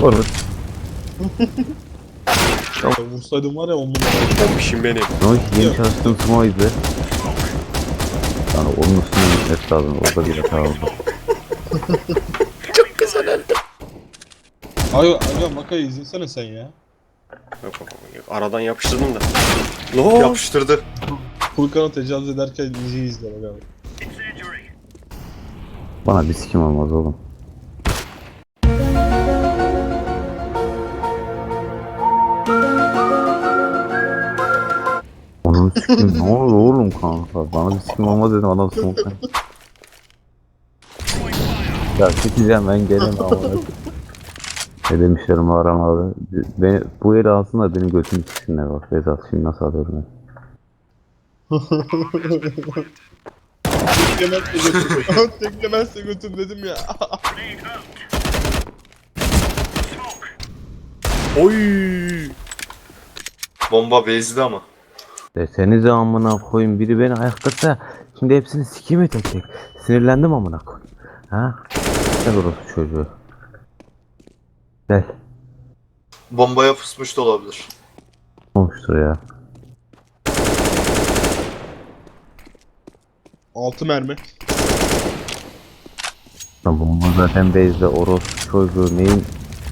Olur. Ya vursaydım var ya 10 numara. Bombişim benim. Ama yeni çalıştığım smoke'ydı. Yani onun üstüne gitmesi lazım. Orada bir hata oldu. Çok güzel öldüm. Aga Maka'yı izlesene sen ya. Yok. Aradan yapıştırdım da. Lo yapıştırdı. Furkan'ı tecavüz ederken diziyi izle aga. Bana bir sikim olmaz oğlum. Onun sikim ne olur oğlum kanka. Bana bir sikim olmaz dedim adam smoke'tan. Ya çekeceğim ben gelemem ama. Ne demişlerim Aram abi. Beni, bu eli alsınlar benim götümü siksinler bak. Vedat şimdi nasıl alıyorum ben. Teklemezse götür. Teklemezse götür dedim ya. Oy. Bomba bezdi ama. Desenize amına koyayım biri beni ayaktasa şimdi hepsini sikeyim mi tek tek? Sinirlendim amına koyayım. Ha? Gel orası çocuğu. Gel. Bombaya fısmış da olabilir. Olmuştur ya. 6 mermi. Tamam bu zaten base'de orospu çocuğu neyin?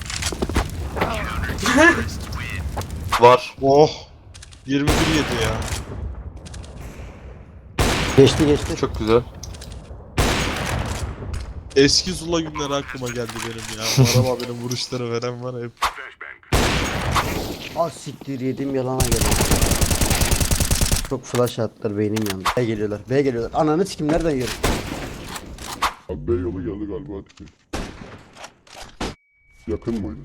Var. Oh. 21 yedi ya. Geçti. Çok güzel. Eski Zula günleri aklıma geldi benim ya. Aram abinin vuruşları veren var hep. Az siktir yedim yalana geldi. Çok flash attılar beynim yandı. B geliyorlar. Ananı sikim nereden yiyorum? Abi B yolu geldi galiba hadi. Yakın mıydı?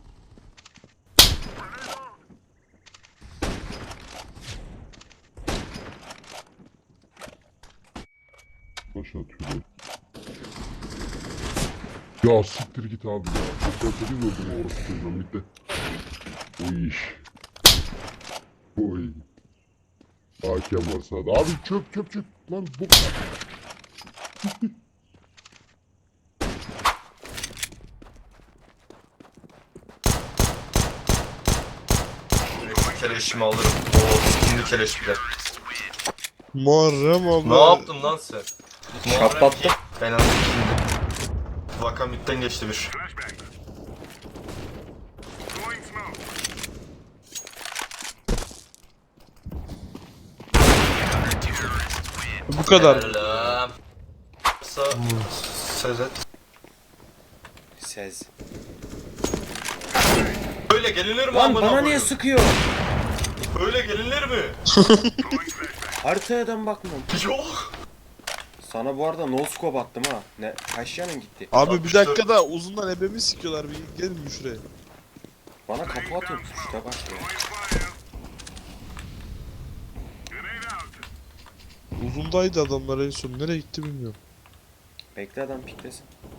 Başa atıyor. Ya siktir git abi ya. 98 öldüm orası çocuğum bitti. Oy. Oy. Hakem var sağda. Abi çöp. Lan bu. Keleşimi alırım. Oo skinli keleş bile. Muharrem abi. Ne yaptın lan sen? Patlattı. Ben aldım şimdi. Vaka midden geçti bir. Bu kadar. Selam. Sezet. Sez. Böyle gelinir mi Lan amına bana niye koyayım? sıkıyor? Böyle gelinir mi? Haritaya da bakmam. Yok. Sana bu arada no scope attım ha. Ne kaç yanın gitti? Abi bir dakika da uzundan ebemi sikiyorlar. Bir gelin bir şuraya. Bana kapı atıyor işte bak ya. Uzundaydı adamlar en son. Nereye gitti bilmiyorum. Bekle adam piklesin.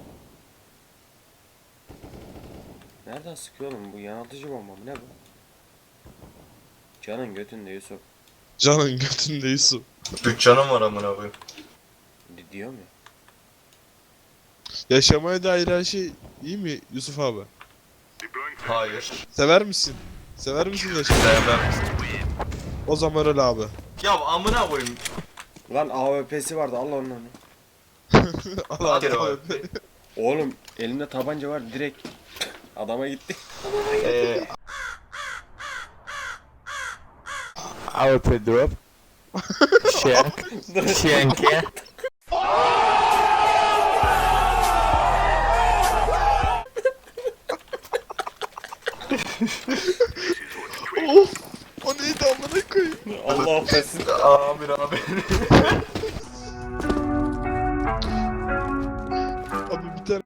Nereden sıkıyor oğlum bu yanıltıcı bomba mı ne bu? Canın götünde Yusuf. Canın götünde Yusuf. 3 canım var amına koyayım. Diyor mu? Yaşamaya dair her şey iyi mi Yusuf abi? Hayır. Sever misin? Sever misin yaşamayı? Sevmem. O zaman öyle abi. Ya amına koyayım. Lan AWP'si vardı al onu. Allah Hadi Allah. abi. Oğlum elinde tabanca var direkt adama gitti. AWP drop. Shank ya. Of! O neydi amına koyayım? Allah affetsin. Amin.